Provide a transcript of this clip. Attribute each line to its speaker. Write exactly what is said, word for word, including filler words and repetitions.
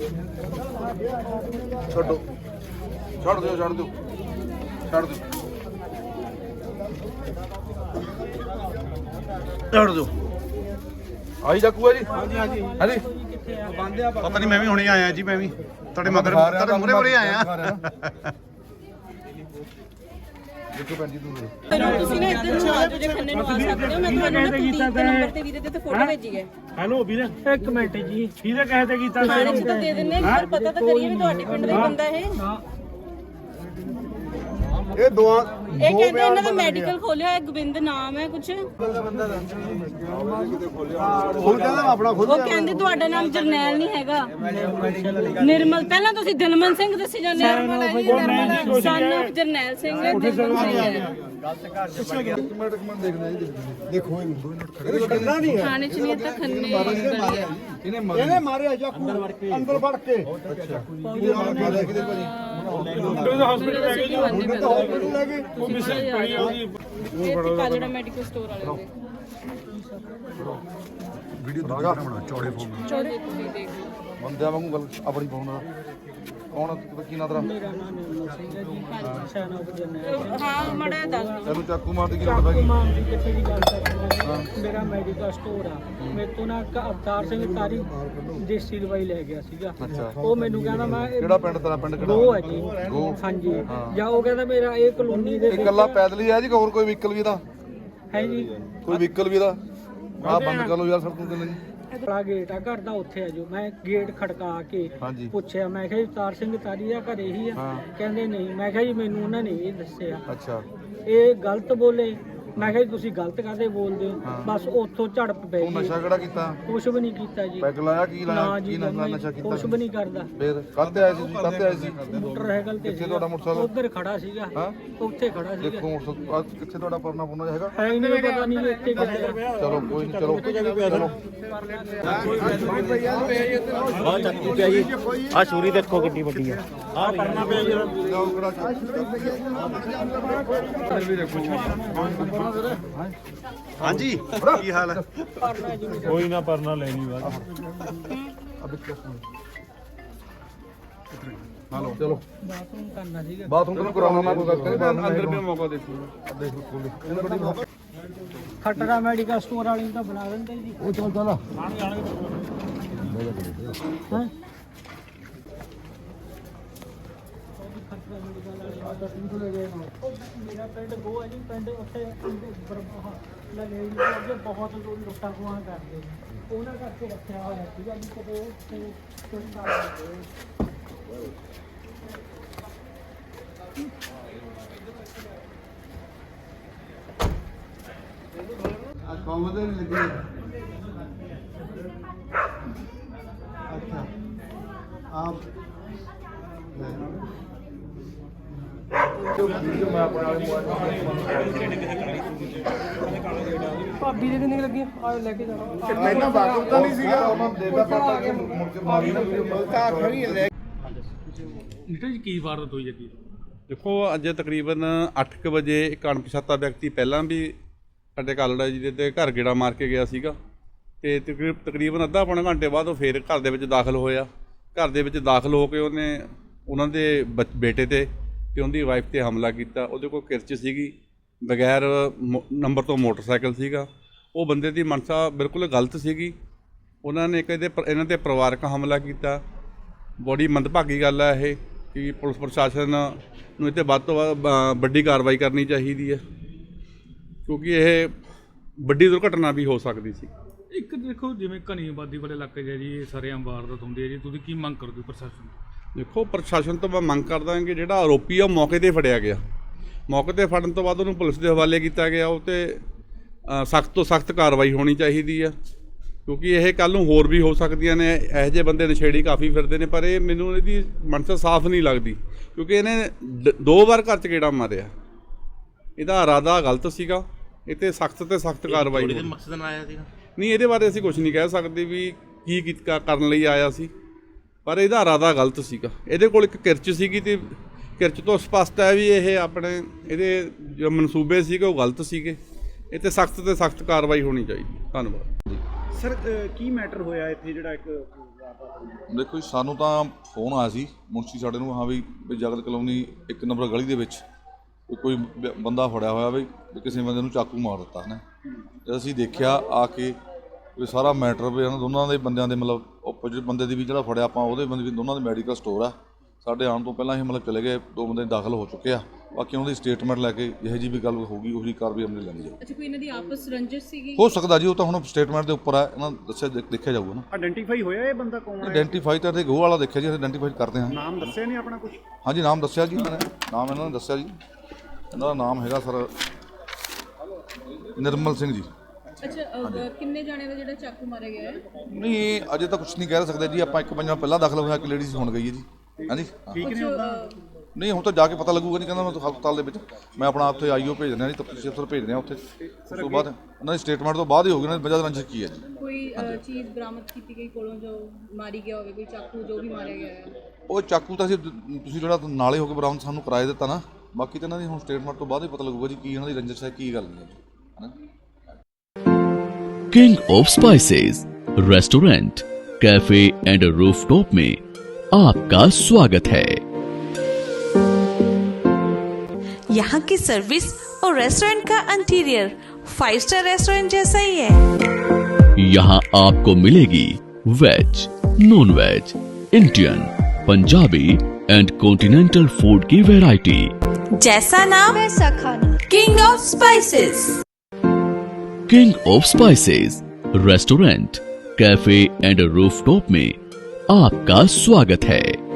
Speaker 1: ਛੱਡੋ ਛੱਡ ਦਿਓ ਛੱਡ ਦਿਓ ਛੱਡ ਦਿਓ ਛੱਡ ਦਿਓ ਆਈ ਜਾਕੂਆ ਜੀ ਹਾਂਜੀ ਹਾਂਜੀ ਹਾਂਜੀ
Speaker 2: ਪਤਾ ਨਹੀਂ ਮੈਂ ਵੀ ਹੁਣੇ ਆਇਆ ਜੀ ਮੈਂ ਵੀ ਤੁਹਾਡੇ ਮਗਰ ਤੁਹਾਡੇ ਮੂਹਰੇ ਮੂਹਰੇ ਆਇਆ
Speaker 1: ਦੇਖੋ ਭੈਣ ਜੀ ਤੂੰ
Speaker 3: ਤੁਸੀਂ ਨਾ ਇੱਧਰ ਨੂੰ ਆ ਜਾਓ ਜੇ ਖੰਨੇ ਨੂੰ ਆ ਸਕਦੇ ਹੋ ਮੈਂ ਤੁਹਾਨੂੰ ਨਾ ਕੁਲਦੀਪ ਦੇ ਨੰਬਰ ਤੇ ਵੀਰੇ ਦੇ ਤੇ ਫੋਟੋ ਭੇਜੀ ਹੈ
Speaker 4: ਹੈਲੋ ਵੀਰੇ ਇੱਕ ਮਿੰਟ ਜੀ ਵੀਰੇ ਕਹੇ ਤੇ ਕੀਤਾ
Speaker 3: ਥਾਣੇ ਚ ਤਾਂ ਦੇ ਦਿੰਨੇ ਆ ਪਰ ਪਤਾ ਤਾਂ ਕਰੀਏ ਵੀ ਤੁਹਾਡੇ ਪਿੰਡ ਦਾ ਹੀ ਬੰਦਾ ਇਹ
Speaker 1: ਇਹ ਦੋ
Speaker 3: ਇਹ ਕਹਿੰਦੇ ਇਹਨਾਂ ਦਾ ਮੈਡੀਕਲ ਖੋਲਿਆ ਹੈ ਗੋਬਿੰਦ ਨਾਮ ਹੈ ਕੁਛ
Speaker 1: ਹੁਣ ਕਹਿੰਦਾ ਆਪਣਾ ਖੁਦ
Speaker 3: ਉਹ ਕਹਿੰਦੇ ਤੁਹਾਡਾ ਨਾਮ ਜਰਨੈਲ ਨਹੀਂ ਹੈਗਾ ਨਿਰਮਲ ਪਹਿਲਾਂ ਤੁਸੀਂ ਦਿਲਮਨ ਸਿੰਘ ਦੱਸੀ ਜਾਂਦੇ ਹੋ ਸਨ ਆਫ ਜਰਨੈਲ ਸਿੰਘ ਹੈ ਦਿਲਮਨ ਸਿੰਘ ਹੈ
Speaker 1: ਇੱਕ ਮਿੰਟ ਇੱਕ ਮਿੰਟ ਦੇਖਦੇ ਜੀ ਦੇਖੋ ਇਹਨੂੰ ਖੜੇ ਨਹੀਂ
Speaker 3: ਥਾਣੇ ਚ ਨਹੀਂ ਤਾਂ ਖੰਨੇ
Speaker 1: ਇਹਨੇ ਇਹਨੇ ਮਾਰਿਆ ਜਾਕੂ ਅੰਦਰ ਵੜ ਕੇ ਅੱਛਾ ਮਾਰਿਆ ਕਿਤੇ ਭਾਜੀ
Speaker 4: ਹਸਪੀਟਲ ਲੈ ਗਏ
Speaker 1: ਹਸਪੀਟਲ ਲੈ ਗਏ
Speaker 4: ਉਹ ਮਿਸਿੰਗ ਪਈ ਆ ਉਹਦੀ
Speaker 3: ਇਹ ਕਾਲੜਾ ਮੈਡੀਕਲ ਸਟੋਰ ਵਾਲੇ ਦੇ
Speaker 1: ਵੀਡੀਓ ਦੂਜਾ ਬਣਾ ਚੌੜੇ ਫੋਨ
Speaker 3: ਚੌੜੇ ਤੁਸੀਂ ਦੇਖ ਲਓ
Speaker 1: ਬੰਦਿਆਂ ਵਾਂਗੂ ਗੱਲ ਆਪਣੀ ਪਾਉਣਾ ਕੌਣ ਕੀ ਨਾਂ ਤੇਰਾ
Speaker 4: ਮੇਰਾ ਨਾਮ ਨਿਰਮਲ ਸਿੰਘ ਹੈ ਜੀ ਸਨ ਆਫ ਜਰਨੈਲ
Speaker 3: ਹਾਂ ਮੜਾ ਦੱਸ ਦਿਓ
Speaker 1: ਤੈਨੂੰ ਚਾਕੂ ਮਾਰ ਦੀ ਕੀ ਲੋੜ ਪੈ
Speaker 4: ਮਾਮ ਦੀ ਕਿੱਥੇ ਦੀ ਗੱਲ ਕਰ ਮੇਰਾ ਮੈਡੀਕਲ ਸਟੋਰ ਆ ਮੇਰੇ ਤੋਂ ਨਾ ਇੱਕ ਅਵਤਾਰ ਸਿੰਘ ਤਾਰੀ ਦੇਸੀ ਦਵਾਈ ਲੈ ਗਿਆ ਸੀਗਾ
Speaker 1: ਅੱਛਾ
Speaker 4: ਉਹ ਮੈਨੂੰ ਕਹਿੰਦਾ ਮੈਂ ਇਹ
Speaker 1: ਕਿਹੜਾ ਪਿੰਡ ਤੇਰਾ ਪਿੰਡ ਕਿਹੜਾ
Speaker 4: ਗੋ ਹੈ ਜੀ
Speaker 1: ਗੋ
Speaker 4: ਹਾਂਜੀ ਜਾਂ ਉਹ ਕਹਿੰਦਾ ਮੇਰਾ ਇਹ ਕਲੋਨੀ ਦੇ
Speaker 1: ਇਹ ਇਕੱਲਾ ਪੈਦਲ ਹੀ ਆ ਜੀ ਕਿ ਹੋਰ ਕੋਈ ਵਹੀਕਲ ਵੀ ਇਹਦਾ
Speaker 4: ਹੈ ਜੀ
Speaker 1: ਕੋਈ ਵਹੀਕਲ ਵੀ ਇਹਦਾ ਆ ਬੰਦ ਕਰ ਲਓ ਯਾਰ ਸੜਕ ਤੇ ਨਹੀਂ
Speaker 4: ਬੜਾ ਗੇਟ ਆ ਘਰ ਦਾ ਉੱਥੇ ਆ ਜੋ ਮੈਂ ਗੇਟ ਖੜਕਾ ਕੇ
Speaker 1: ਹਾਂਜੀ
Speaker 4: ਪੁੱਛਿਆ ਮੈਂ ਕਿਹਾ ਜੀ ਅਵਤਾਰ ਸਿੰਘ ਤਾਰੀ ਆ ਘਰੇ ਹੀ ਆ
Speaker 1: ਹਾਂ।
Speaker 4: ਕਹਿੰਦੇ ਨਹੀਂ ਮੈਂ ਕਿਹਾ ਜੀ ਮੈਨੂੰ ਉਹਨਾਂ ਨੇ ਇਹ ਦੱਸਿਆ
Speaker 1: ਅੱਛਾ
Speaker 4: ਇਹ ਗਲਤ ਬੋਲੇ ਮੈਂ ਕਿਹਾ ਜੀ ਤੁਸੀਂ ਗਲਤ ਕਾਹਦੇ ਬੋਲਦੇ ਹੋ
Speaker 1: ਹਾਂ।
Speaker 4: ਬਸ ਉੱਥੋਂ ਝੜਪ ਪੈ
Speaker 1: ਤੂੰ
Speaker 4: ਗਈ
Speaker 1: ਨਸ਼ਾ ਕਿਹੜਾ ਕੀਤਾ
Speaker 4: ਕੁਛ ਵੀ ਨਹੀਂ ਕੀਤਾ ਜੀ
Speaker 1: ਪੈਗ ਲਾਇਆ ਕੀ
Speaker 4: ਨਾ
Speaker 1: ਲਾਇਆ
Speaker 4: ਜੀ
Speaker 1: ਕੀ ਨਸ਼ਾ ਨਸ਼ਾ ਕੀਤਾ
Speaker 4: ਕੁਛ ਵੀ ਨਹੀਂ ਕਰਦਾ
Speaker 1: ਫੇਰ ਕੱਲ ਤੇ ਆਏ ਸੀ ਕੱਲ ਤੇ ਆਏ ਸੀ
Speaker 4: ਮੋਟਰਸਾਈਕਲ ਤੇ
Speaker 1: ਕਿੱਥੇ ਤੁਹਾਡਾ ਮੋਟਰਸਾਈਕਲ
Speaker 4: ਉੱਧਰ ਖੜਾ ਸੀਗਾ
Speaker 1: ਹਾਂ
Speaker 4: ਉੱਥੇ ਖੜਾ ਸੀਗਾ
Speaker 1: ਦੇਖੋ ਮੋਟਰਸਾਈਕਲ ਆਹ ਕਿੱਥੇ ਤੁਹਾਡਾ ਪਰਨਾ ਪੁਰਨਾ ਹੈਗਾ
Speaker 4: ਹੈ ਹੀ ਨਹੀਂ ਪਤਾ ਨਹੀਂ ਇੱਥੇ ਕਿੱਥੇ ਆ।
Speaker 1: ਚਲੋ ਕੋਈ ਨਹੀਂ ਚਲੋ ਚਲੋ
Speaker 5: ਆ ਚੱਕੀ ਪਿਆ ਜੀ ਆ ਛੁਰੀ ਦੇਖੋ ਕਿੰਨੀ ਵੱਡੀ ਆ ਆ ਪਰਨਾ ਪਿਆ ਜੀ
Speaker 1: ਜਾਓ ਕਿਹੜਾ
Speaker 2: ਹਾਂਜੀ ਕੀ ਹਾਲ ਹੈ
Speaker 4: ਕੋਈ ਨਾ ਪਰਨਾ ਲੈਣੀ ਵਾ
Speaker 1: ਹਲੋ ਚਲੋ
Speaker 4: ਬਾਥਰੂਮ ਕਰਨਾ ਸੀਗਾ
Speaker 1: ਬਾਥਰੂਮ ਤੋਂ ਕਰਾਉਣਾ ਮੈਂ ਕੋਈ ਗੱਲ ਨਹੀਂ ਅੰਦਰ ਵੀ ਮੌਕਾ ਦੇਖੋ ਦੇਖ ਲਓ ਖੋਲ ਇਹਨੂੰ ਗੱਡੀ
Speaker 4: ਖਟਰਾ ਮੈਡੀਕਲ ਸਟੋਰ ਵਾਲੀ ਨੂੰ ਤਾਂ ਬਣਾ ਦਿੰਦੇ ਜੀ
Speaker 1: ਉਹ ਚੱਲ ਚੱਲ
Speaker 4: ਹਾਂ ਮੇਰਾ ਪਿੰਡ ਗੋ ਹੈ ਜੀ ਪਿੰਡ ਉੱਥੇ ਲੱਗੇ ਜੀ ਬਹੁਤ ਲੁੱਟਾਂ ਖੋਹਾਂ ਕਰਦੇ ਉਹਨਾਂ ਕਰਕੇ ਰੱਖਿਆ ਹੋਇਆ ਸੀਗਾ ਜੀ ਕਦੇ ਉੱਥੇ ਕੋਈ ਕਰ
Speaker 1: ਆ ਕੌਮ ਦੇ ਲੱਗੀ ਅੱਛਾ ਆਪ
Speaker 4: ਭਾਬੀ ਦੇ ਕਿੰਨੇ ਲੱਗੇ ਆ ਲੈ ਕੇ ਜਾਣਾ
Speaker 1: ਪਹਿਲਾਂ ਬਾਗੂ ਤਾਂ ਨਹੀਂ ਸੀਗਾ ਉਹਨਾਂ ਦੇਦਾ ਪਤਾ ਕਿ ਮੁੜ ਕੇ ਮਾਰੀ ਨਾ ਤਾਂ ਖੜੀ ਲੈ
Speaker 4: ਨੀਟਾ ਜੀ ਕੀ ਵਾਰਦਾਤ ਹੋਈ ਜੀ
Speaker 6: ਦੇਖੋ ਅੱਜ ਤਕਰੀਬਨ ਅੱਠ ਕੁ ਵਜੇ ਇੱਕ ਅਣਪਛਾਤਾ ਵਿਅਕਤੀ ਪਹਿਲਾਂ ਵੀ ਸਾਡੇ ਕਾਲੜਾ ਜੀ ਦੇ ਤੇ ਘਰ ਗੇੜਾ ਮਾਰ ਕੇ ਗਿਆ ਸੀਗਾ ਤੇ ਤਕਰੀਬ ਤਕਰੀਬਨ ਅੱਧਾ ਪੌਣਾ ਘੰਟੇ ਬਾਅਦ ਉਹ ਫੇਰ ਘਰ ਦੇ ਵਿੱਚ ਦਾਖਲ ਹੋਇਆ ਘਰ ਦੇ ਵਿੱਚ ਦਾਖਲ ਹੋ ਕੇ ਉਹਨੇ ਉਹਨਾਂ ਦੇ ਬੇਟੇ ਤੇ ਤੇ ਉਹਦੀ ਵਾਈਫ ਤੇ ਹਮਲਾ ਕੀਤਾ ਉਹਦੇ ਕੋਲ ਕਿਰਚ ਸੀਗੀ ਬਗੈਰ ਨੰਬਰ ਤੋਂ ਮੋਟਰਸਾਈਕਲ ਸੀਗਾ ਉਹ ਬੰਦੇ ਦੀ ਮਨਸਾ ਬਿਲਕੁਲ ਗਲਤ ਸੀਗੀ ਉਹਨਾਂ ਨੇ ਇੱਕ ਇਹਦੇ ਇਹਨਾਂ ਤੇ ਪਰਿਵਾਰਕ ਹਮਲਾ ਕੀਤਾ ਬੜੀ ਮੰਦਭਾਗੀ ਗੱਲ ਹੈ ਇਹ ਕਿ ਪੁਲਿਸ ਪ੍ਰਸ਼ਾਸਨ ਨੂੰ ਇਹ 'ਤੇ ਵੱਧ ਤੋਂ ਵੱਧ ਵੱਡੀ ਕਾਰਵਾਈ ਕਰਨੀ ਚਾਹੀਦੀ ਹੈ ਕਿਉਂਕਿ ਇਹ ਵੱਡੀ ਦੁਰਘਟਨਾ ਵੀ ਹੋ ਸਕਦੀ ਸੀ।
Speaker 7: ਇੱਕ ਦੇਖੋ ਜਿਵੇਂ ਘਣੀ ਆਬਾਦੀ ਵਾਲੇ ਇਲਾਕੇ 'ਚ ਹੈ ਜੀ ਸਰੇਆਮ ਵਾਰਦਾਤ ਹੁੰਦੀ ਹੈ ਜੀ ਤੁਸੀਂ ਕੀ ਮੰਗ ਕਰਦੇ ਹੋ ਪ੍ਰਸ਼ਾਸਨ
Speaker 6: ਦੇਖੋ ਪ੍ਰਸ਼ਾਸਨ ਤੋਂ ਮੈਂ ਮੰਗ ਕਰਦਾ ਕਿ ਜਿਹੜਾ ਆਰੋਪੀ ਆ ਉਹ ਮੌਕੇ 'ਤੇ ਫੜਿਆ ਗਿਆ ਮੌਕੇ 'ਤੇ ਫੜਨ ਤੋਂ ਬਾਅਦ ਉਹਨੂੰ ਪੁਲਿਸ ਦੇ ਹਵਾਲੇ ਕੀਤਾ ਗਿਆ ਉਹ 'ਤੇ ਸਖਤ ਤੋਂ ਸਖਤ ਕਾਰਵਾਈ ਹੋਣੀ ਚਾਹੀਦੀ ਆ ਕਿਉਂਕਿ ਇਹ ਕੱਲ੍ਹ ਨੂੰ ਹੋਰ ਵੀ ਹੋ ਸਕਦੀਆਂ ਨੇ ਇਹੋ ਜਿਹੇ ਬੰਦੇ ਨਸ਼ੇੜੀ ਕਾਫੀ ਫਿਰਦੇ ਨੇ ਪਰ ਇਹ ਮੈਨੂੰ ਇਹਦੀ ਮਨਸਾ ਸਾਫ਼ ਨਹੀਂ ਲੱਗਦੀ ਕਿਉਂਕਿ ਇਹਨੇ ਦੋ ਵਾਰ ਘਰ 'ਚ ਗੇੜਾ ਮਾਰਿਆ ਇਹਦਾ ਇਰਾਦਾ ਗਲਤ ਸੀਗਾ ਇਹ 'ਤੇ ਸਖਤ ਤੇ ਸਖਤ ਕਾਰਵਾਈ ਹੋਣੀ
Speaker 5: ਮਕਸਦ ਨਾਲ ਆਇਆ ਸੀਗਾ
Speaker 6: ਨਹੀਂ ਇਹਦੇ ਬਾਰੇ ਅਸੀਂ ਕੁਝ ਨਹੀਂ ਕਹਿ ਸਕਦੇ ਵੀ ਕੀ ਕੀਤਾ ਕਰਨ ਲਈ ਆਇਆ ਸੀ ਪਰ ਇਹਦਾ ਇਰਾਦਾ ਗਲਤ ਸੀਗਾ ਇਹਦੇ ਕੋਲ ਇੱਕ ਕਿਰਚ ਸੀਗੀ ਤੇ ਕਿਰਚ ਤੋਂ ਸਪਸ਼ਟ ਹੈ ਵੀ ਇਹ ਆਪਣੇ ਇਹਦੇ ਜੋ ਮਨਸੂਬੇ ਸੀਗੇ ਉਹ ਗਲਤ ਸੀਗੇ ਇਹ 'ਤੇ ਸਖਤ ਤੇ ਸਖਤ ਕਾਰਵਾਈ ਹੋਣੀ ਚਾਹੀਦੀ। ਧੰਨਵਾਦ।
Speaker 8: ਸਰ ਕੀ ਮੈਟਰ ਹੋਇਆ ਇੱਥੇ ਜਿਹੜਾ ਇੱਕ
Speaker 9: ਦੇਖੋ ਜੀ, ਸਾਨੂੰ ਤਾਂ ਫੋਨ ਆਇਆ ਸੀ ਮੁਨਸ਼ੀ ਸਾਡੇ ਨੂੰ, ਹਾਂ ਵੀ ਵੀ ਜਗਤ ਕਲੋਨੀ ਇੱਕ ਨੰਬਰ ਗਲੀ ਦੇ ਵਿੱਚ ਕੋਈ ਬ- ਬੰਦਾ ਫੜਿਆ ਹੋਇਆ ਵੀ ਵੀ ਕਿਸੇ ਬੰਦੇ ਨੂੰ ਚਾਕੂ ਮਾਰ ਦਿੱਤਾ ਨੇ। ਜਦ ਅਸੀਂ ਦੇਖਿਆ ਆ ਕੇ ਵੀ ਸਾਰਾ ਮੈਟਰ ਵੀ ਇਹਨਾਂ ਦੋਨਾਂ ਦੇ ਬੰਦਿਆਂ ਦੇ ਮਤਲਬ ਆਪੋਜੀਟ ਬੰਦੇ ਦੀ ਵੀ ਜਿਹੜਾ ਫੜਿਆ ਆਪਾਂ ਉਹਦੇ ਬੰਦੇ ਵੀ ਦੋਨਾਂ ਦੇ ਮੈਡੀਕਲ ਸਟੋਰ ਆ। ਸਾਡੇ ਆਉਣ ਤੋਂ ਪਹਿਲਾਂ ਹੀ ਮਤਲਬ ਚਲੇ ਗਏ, ਦੋ ਬੰਦੇ ਦਾਖਲ ਹੋ ਚੁੱਕੇ ਆ। ਬਾਕੀ ਉਹਨਾਂ ਦੀ ਸਟੇਟਮੈਂਟ ਲੈ ਕੇ ਜਿਹੋ ਜਿਹੀ ਵੀ ਗੱਲ ਹੋਊਗੀ ਉਹੀ ਕਾਰਵਾਈ ਅਮਲ ਲੈਣੀ ਜਾਊਗੀ।
Speaker 3: ਅੱਛਾ, ਕੋਈ ਇਹਨਾਂ ਦੀ ਆਪਸ ਰੰਜਿਸ਼ ਸੀਗੀ?
Speaker 9: ਹੋ ਸਕਦਾ ਜੀ, ਉਹ ਤਾਂ ਹੁਣ ਸਟੇਟਮੈਂਟ ਦੇ ਉੱਪਰ ਆ, ਇਹਨਾਂ ਦੱਸਿਆ ਦੇਖਿਆ ਜਾਊਗਾ ਨਾ।
Speaker 8: ਆਇਡੈਂਟੀਫਾਈ ਹੋਇਆ ਇਹ ਬੰਦਾ ਕੌਣ ਹੈ?
Speaker 9: ਆਇਡੈਂਟੀਫਾਈ ਤਾਂ ਤੇ ਗੋਹ ਵਾਲਾ ਦੇਖਿਆ ਜੀ, ਆਇਡੈਂਟੀਫਾਈ ਕਰਦੇ ਹਾਂ।
Speaker 8: ਨਾਮ ਦੱਸਿਆ ਨਹੀਂ ਆਪਣਾ ਕੁਝ?
Speaker 9: ਹਾਂਜੀ, ਨਾਮ ਦੱਸਿਆ ਜੀ ਇਹਨਾਂ ਨੇ, ਨਾਮ ਇਹਨਾਂ ਨੇ ਦੱਸਿਆ ਜੀ। ਇਹਨਾਂ ਦਾ ਨਾਮ ਹੈਗਾ ਸਰ ਨਿਰਮਲ ਸਿੰਘ ਜੀ।
Speaker 3: ਅੱਛਾ, ਅਹ, ਕਿੰਨੇ ਜਾਣੇ ਦਾ ਜਿਹੜਾ ਚਾਕੂ ਮਾਰਿਆ ਗਿਆ ਹੈ?
Speaker 9: ਨਹੀਂ ਅਜੇ ਤਾਂ ਕੁਝ ਨਹੀਂ ਕਹਿ ਸਕਦੇ ਜੀ ਆਪਾਂ। ਇੱਕ ਪੰਜਾਂ ਪਹਿਲਾਂ ਦਾਖਲ ਹੋਇਆ, ਇੱਕ ਲੇਡੀਜ਼ ਹੁਣ ਗਈ ਹੈ ਜੀ। ਹਾਂਜੀ
Speaker 8: ਠੀਕ ਨੇ
Speaker 3: ਕੁਛ,
Speaker 8: ਉਹਦਾ?
Speaker 3: ਅਹ,
Speaker 9: ਨਹੀਂ ਹੁਣ ਤਾਂ ਜਾ ਕੇ ਪਤਾ ਲੱਗੂਗਾ। ਨਹੀਂ ਕਹਿੰਦਾ ਮੈਂ ਤਾਂ ਹਸਪਤਾਲ ਦੇ ਵਿੱਚ ਮੈਂ ਆਪਣਾ ਉੱਥੇ ਆਈਓ ਭੇਜ ਦਿੰਦਾ ਜੀ, ਤਫਤੀਸ਼ ਅਫਸਰ ਭੇਜ ਦਿਆਂ ਉੱਥੇ। ਉਸ ਤੋਂ ਬਾਅਦ ਉਹਨਾਂ ਦੀ ਸਟੇਟਮੈਂਟ ਤੋਂ ਬਾਅਦ ਹੀ ਹੋਊਗੀ ਨਾ ਵਜ੍ਹਾ ਰੰਜਿਸ਼ ਕੀ ਹੈ ਜੀ।
Speaker 3: ਕੋਈ ਅਹ, ਚੀਜ਼ ਬਰਾਮਦ ਕੀਤੀ ਗਈ ਕੋਲੋਂ ਜੋ ਮਾਰੀ ਗਿਆ ਹੋਵੇ, ਕੋਈ ਚਾਕੂ ਜੋ ਵੀ ਮਾਰਿਆ ਗਿਆ ਹੈ?
Speaker 9: ਉਹ ਚਾਕੂ ਤਾਂ ਅਸੀਂ ਤੁਸੀਂ ਜਿਹੜਾ ਨਾਲੇ ਹੋ ਕੇ ਬਰਾਮਦ ਸਾਨੂੰ ਕਰਾਏ ਦਿੱਤਾ ਨਾ। ਬਾਕੀ ਤਾਂ ਇਹਨਾਂ ਦੀ ਹੁਣ ਸਟੇਟਮੈਂਟ ਤੋਂ ਬਾਅਦ ਹੀ ਪਤਾ ਲੱਗੂਗਾ ਜੀ ਕੀ ਇਹਨਾਂ ਦੀ ਰੰਜਿਸ਼ ਹੈ, ਕੀ ਗੱਲ ਨਹੀਂ ਹੈ ਹੈ ਨਾ।
Speaker 10: King of spices restaurant, cafe and rooftop में आपका स्वागत है।
Speaker 11: यहाँ की सर्विस और रेस्टोरेंट का इंटीरियर फाइव स्टार रेस्टोरेंट जैसा ही है।
Speaker 10: यहाँ आपको मिलेगी veg, non veg, Indian, Punjabi and continental food की वैरायटी।
Speaker 11: जैसा नाम वैसा खाना। King of spices.
Speaker 10: King of spices restaurant, cafe and rooftop में आपका स्वागत है।